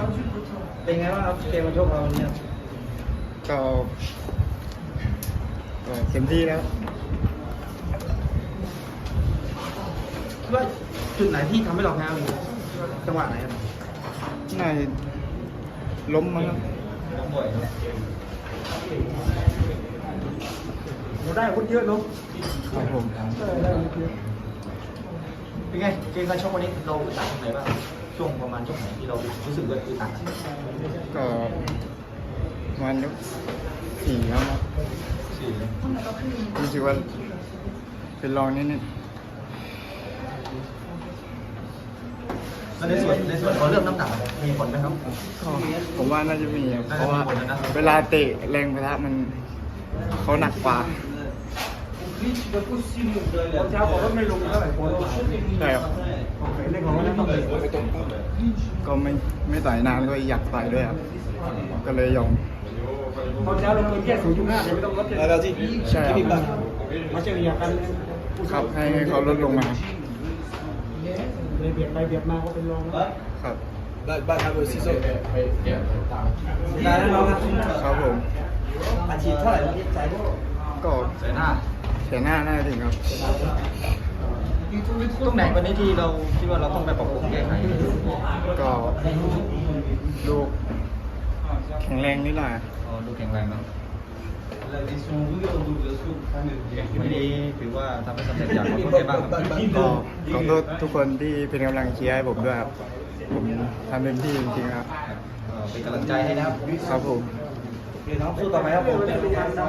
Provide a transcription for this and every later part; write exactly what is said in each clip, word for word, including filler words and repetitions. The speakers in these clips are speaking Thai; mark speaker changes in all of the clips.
Speaker 1: เป็นไงบ้างครับเกมมาชกเราเนี่ย
Speaker 2: ก็ก็เต็มที่แล้ว
Speaker 1: คิดว่าจุดไหนที่ทำให้เราแพ้วันนี้จังหวะไหนครับ
Speaker 2: น่าจะล้มมั้งครับ
Speaker 1: ล้มบ่อยเราได้อาวุธเยอะเนาะ
Speaker 2: ครับผม
Speaker 1: เป็นไงเกมการชกวันนี้เราอึดอัดตรงไหนบ้างช่วงประมาณช่วงไหนที่เรารู้สึกว่าอึดอัด
Speaker 2: ก็ประมาณยกสี่ครับ
Speaker 1: สี่
Speaker 2: รู้สึกว่าเป็นรองนิดนึง
Speaker 1: ในส่วนในส่วนของเรื่องน้ำหนักมีผลไหมครับ
Speaker 2: ผมว่าน่าจะมีเพราะว่าเวลาเตะแรงประทะมันเขาหนักกว่า
Speaker 1: เช้าบอกว่าไม่ลงเท่าไหร่คน
Speaker 2: ใช่ครับ
Speaker 1: เรื่องของว่าต้อง
Speaker 2: ก็ไม่ไม่ต่อยนานก็อยากต่อยด้วยครับก็เลยยอม
Speaker 1: ตอนเช้าเราเคยแค่ศูนย์จุดห้าไม่ต้องลดเลยแล้วที่
Speaker 2: ใช่ครับ
Speaker 1: มาเฉลี่ยกัน
Speaker 2: ครับให้เขาลดลงมา
Speaker 1: เลยเบียดไปเบียดมาก็เป็นรอง
Speaker 2: ครับ
Speaker 3: ได้บ้านทำเป็นซีโซ่
Speaker 1: ได้แล้วน้องครับ
Speaker 2: ครับผม
Speaker 1: อาชีพเท่าไหร่ใจ
Speaker 2: ก็
Speaker 1: เสียหน้า
Speaker 2: เสียหน้าน่าถึงครับ
Speaker 1: ตรงไหนวันนี้ที่เราคิดว่าเราต้องไปปรับปรุงแก้ไข
Speaker 2: ก็ดูแข็งแรงนิดหน่อย
Speaker 1: อ๋อดูแข็งแรงเนาะวันนี้ถือว่าทำให้สำเร็จอย่างขอโทษบ้างครับ
Speaker 2: ก็ขอโทษทุกคนที่เป็นกำลังเชียร์ให้ผมด้วยครับผมทำเต็มที่จริงๆครับ
Speaker 1: เป็นกำลังใจให้นะครับ
Speaker 2: ครับผม
Speaker 1: น้องสู้ต่อไปครับผมเป็นใหญ่ใหญ่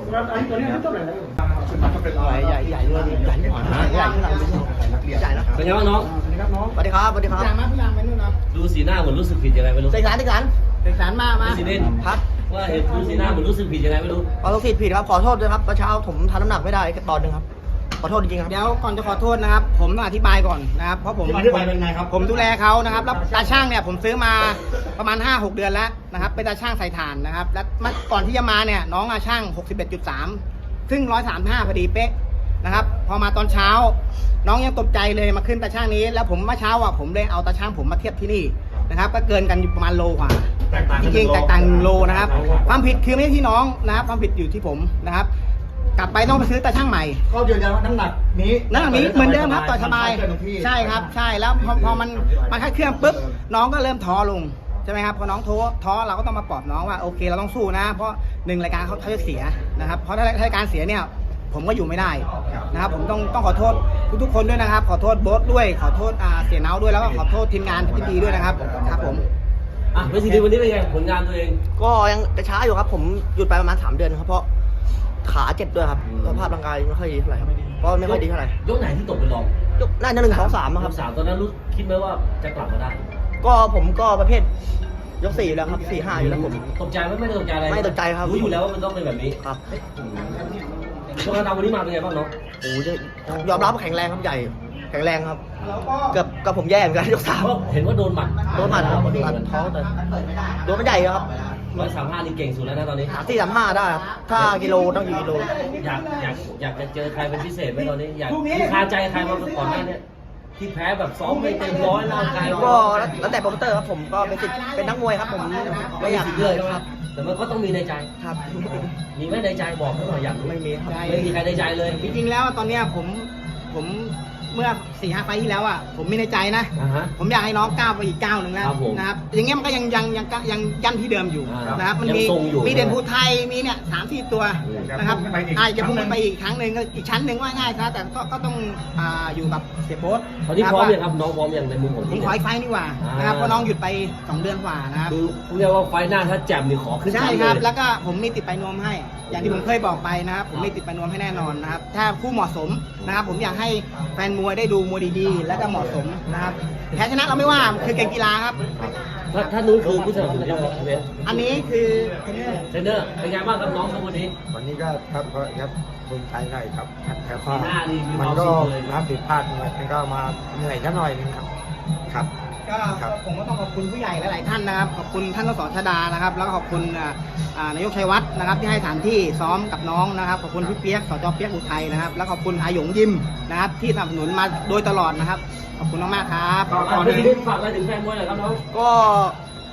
Speaker 4: ใหญ่ใหญ่เลยใหญ่หน่อยนะใหญ่ใหญ่นะ
Speaker 5: เป็นไงบ้างน้อง
Speaker 4: สวัสดีครับสวัสดีครับ
Speaker 1: พี่ยางมาพี่ยางไปนู่นนะ
Speaker 5: ดูสีหน้าเหมือนรู้สึกผิดยังไงไม่รู้
Speaker 4: เสกสารเสกสาร
Speaker 1: เสกสารมามา
Speaker 5: ซีเด่น
Speaker 4: ครับ
Speaker 5: ว่าเห็นดูสีหน้าเหมือนรู้สึกผิดยังไงไม่รู้
Speaker 4: ขอโทษผิดผิดครับขอโทษด้วยครับเมื่อเช้าผมทำน้ำหนักไม่ได้แค่ตอนนึงครับขอโทษจริงๆครับ
Speaker 1: เดี๋ยวก่อนจะขอโทษนะครับผมต้องอธิบายก่อนนะครับเพราะผมผมดูแลเขานะครับแล้วตาช่างเนี่ยผมซื้อมาประมาณ ห้าหก เดือนแล้วนะครับเป็นตาช่างใส่ถ่านนะครับแล้วก่อนที่จะมาเนี่ยน้องอาช่าง หกสิบเอ็ดจุดสาม ซึ่งหนึ่งร้อยสามสิบห้าพอดีเป๊ะนะครับพอมาตอนเช้าน้องยังตกใจเลยมาขึ้นตาช่างนี้แล้วผมเมื่อเช้าอ่ะผมเลยเอาตาช่างผมมาเทียบที่นี่นะครับก็เกินกันอยู่ประมาณโลกว่าจริงๆแตกต่างโลนะครับความผิดคือไม่ใช่ที่น้องนะครับความผิดอยู่ที่ผมนะครับกลับไปต้องไปซื้อตาช่างใหม่
Speaker 3: ก็ยืนยันว่าน้ำหนักนี้
Speaker 1: น้ำหนักนี้เหมือนเดิมครับต่อสบายใช่ครับใช่แล้วพอพอมันมันค่าเครื่องปุ๊บน้องก็เริ่มท้อลงใช่ไหมครับพอน้องท้อท้อเราก็ต้องมาปลอบน้องว่าโอเคเราต้องสู้นะเพราะหนึ่งรายการเขาเขาจะเสียนะครับเพราะถ้ารายการเสียเนี่ยผมก็อยู่ไม่ได้นะครับผมต้องต้องขอโทษทุกๆคนด้วยนะครับขอโทษโบ๊ทด้วยขอโทษอ่าเสียเนาด้วยแล้วก็ขอโทษทีมงานที่ดีด้วยนะครับครับผม
Speaker 5: อ่ะเวทีดีวันนี้เป็นไงผลงานตัวเอง
Speaker 4: ก็ยังจะช้าอยู่ครับผมหยุดไปประมาณสามเดือนครับเพราะขาเจ็บด้วยครับสภาพร่างกายไม่ค่อยดีเท่าไหร่ครับเพราะไม่ค่อยดีเท่าไหร่
Speaker 5: ยกไหนที่ตกเป็นรอง
Speaker 4: ยกน่าจะหนึ่งสองสามครับ
Speaker 5: สามตอนนั้นรู้คิดไหมว่าจะกลับมาได้
Speaker 4: ก็ผมก็ประเภทยกสี่แล้วครับสี่ห้าอยู่แล้วผม
Speaker 5: ตกใจไหมไม่ได้ตกใจอะไร
Speaker 4: ไม่ตกใจครับ
Speaker 5: รู้อยู่แล้วว่ามันต้องเป็นแบบนี้
Speaker 4: ครับ
Speaker 5: ช่วงนั้นวันนี้มาเป็นไงบ้างน้อง
Speaker 4: โอ้ยยอมรับว่าแข็งแรงครับใหญ่แข็งแรงครับเกือบกับผมแย่เหมือนกันยกสาม
Speaker 5: เห็นว่าโดนหมัด
Speaker 4: โดนหมัดครับตัดท้องแต่โดนมันใหญ่ครับ
Speaker 5: ร้อยสามห้านี่เก่งสุดแล้วนะตอนนี้
Speaker 4: สี่สามห้าได้ครับถ้ากิโลต้องอยู่กิโล
Speaker 5: อยากอยากอยากจะเจอใครเป็นพิเศษไหมตอนนี้อยากคาใจใครมาก่อนหน้านี้ที่แพ้แบบซ้อมไม่เต็มร้อยร่างกาย
Speaker 4: ก็แล้วแต่โปรโมเตอร์ครับผมก็เป็นสิทธิ์เป็นนักมวยครับผมไม่อยาก
Speaker 5: เลยครับแต่มันก็ต้องมีในใจ
Speaker 4: ครับ
Speaker 5: มีไหมในใจบอกให้หน่อยอยาก
Speaker 4: ไม่มี
Speaker 5: ไม่มีใครในใจเลย
Speaker 1: จริงๆแล้วตอนนี้ผมผมเมื่อสี่ห้าไฟที่แล้วอ่ะผมมีในใจนะผมอยากให้น้องก้าวไปอีกก้าวหนึ่งแล้วนะครับอย่างเงี้ยมันก็ยังยังยังยังยันที่เดิมอยู่นะครับมันมีมีเด่นภูไทยมีเนี่ยสามสี่ตัวนะครับอาจจะพุ่งไปอีกครั้งหนึ่งอีกชั้นหนึ่งว่าง่ายซะแต่ก็ก็ต้องอ่าอยู่กับเสียโบ๊ท
Speaker 5: ตอนนี้พร้อมยังครับน้องพร้อมยังในมุมผม
Speaker 1: ผมขออีกไฟนี่ว่านะครับเพราะน้องหยุดไปสองเดือนกว่านะครับ
Speaker 5: คือเรียกว่าไฟหน้าถ้าแจ่มนี่ขอขึ้น
Speaker 1: ใช่ครับแล้วก็ผมมีติดไปนวมให้อย่างที่ผมเคยบอกไปนะครับผมมีติดไปนวมให้แน่นอนนะครับถ้าคู่เหมาะสมนะครับผมอยากให้แฟนมวยได้ดูมวยดีๆและก็เหมาะสมนะครับแพ้ชนะเราไม่ว่าคือเกมกีฬาครับ
Speaker 5: ถ้าถ้านู้นคือผู้สนับสนุนเวท
Speaker 1: อันนี้คือ
Speaker 5: เทรนเนอร์เทรนเนอร์เป็นไงบ้างครับน้องครับวันนี้
Speaker 3: วันนี้ก็ครับครับภูมิใจหน่อยครับแต่ก็
Speaker 5: มัน
Speaker 3: ก็รับผิดพลาดหน่อยมันก็มาเหนื่อยกันหน่อยนึงครับครับ
Speaker 1: ก็ผมก็ต้องขอบคุณผู้ใหญ่หลายๆท่านนะครับขอบคุณท่านสชดานะครับแล้วก็ขอบคุณนายกชัยวัฒน์นะครับที่ให้สถานที่ซ้อมกับน้องนะครับขอบคุณพี่เปียกสจเปียกอุทัยนะครับแล้วขอบคุณอาหยงยิมนะครับที่สนับสนุนมาโดยตลอดนะครับขอบคุณมากๆครับ
Speaker 5: ขอขอที่ฝากอะไรถึงแฟนมวยหน่อยครับน้อง
Speaker 4: ก็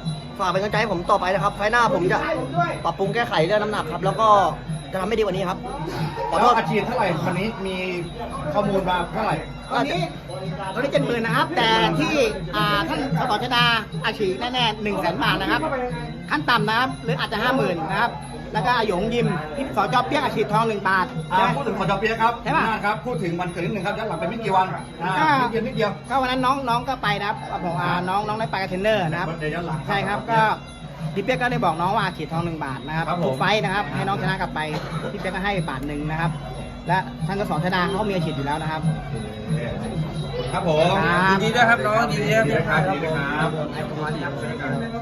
Speaker 4: ฝากเป็นกำลังใจให้ผมต่อไปนะครับไฟล์หน้าผมจะปรับปรุงแก้ไขเรื่องน้ำหนักครับ แล้วก็จะทำให้ดีกว่านี้ครับขอโทษ
Speaker 6: อาชีพเท่าไหร่วันนี้มีข้อมูลมาเท่าไหร่
Speaker 1: ตอนนี้ตอนนี้เจ็ดหมื่นนะครับ แต่ที่อ่าท่านสสชดาอาชีพแน่ๆหนึ่งแสนบาทนะครับขั้นต่ำนะครับหรืออาจจะห้าหมื่นนะครับแล้วก็อาหยงยิมพี่สจเปี้ยกอาชีพทองหนึ่งบาท
Speaker 6: อ่า
Speaker 1: ใช่ไหม
Speaker 6: พูดถึงขอจอเปียครับ
Speaker 1: ใช่ปะ
Speaker 6: ครับพูดถึงวันเกิดนิดหนึ่งครับย้อนหลังไปไม่กี่วันอ่า
Speaker 1: ก็
Speaker 6: นิดเดียวนิดเดียว
Speaker 1: ก็วันนั้นน้องน้องก็ไปนะครับบอกอ่าน้องน้องได้ไปกับเทรนเนอร์นะครับ
Speaker 6: เดี๋ยวย้อนหลัง
Speaker 1: ใช่ครับก็พี่เปียกก็ได้บอกน้องว่าอาชีพทองหนึ่งบาทนะครับ
Speaker 6: ครับผม
Speaker 1: ทุกไฟท์นะครับให้น้องชนะกลับไปพี่เปียกก็ให้บาทหนึ่งนะครับ และท่านสสชดาเขามีอาชีพอยู่แล้วนะครับ
Speaker 6: ครับผม
Speaker 1: ครับ
Speaker 3: ยินดีด้วยครับน้องยินดีด้วยครับ
Speaker 6: ครับ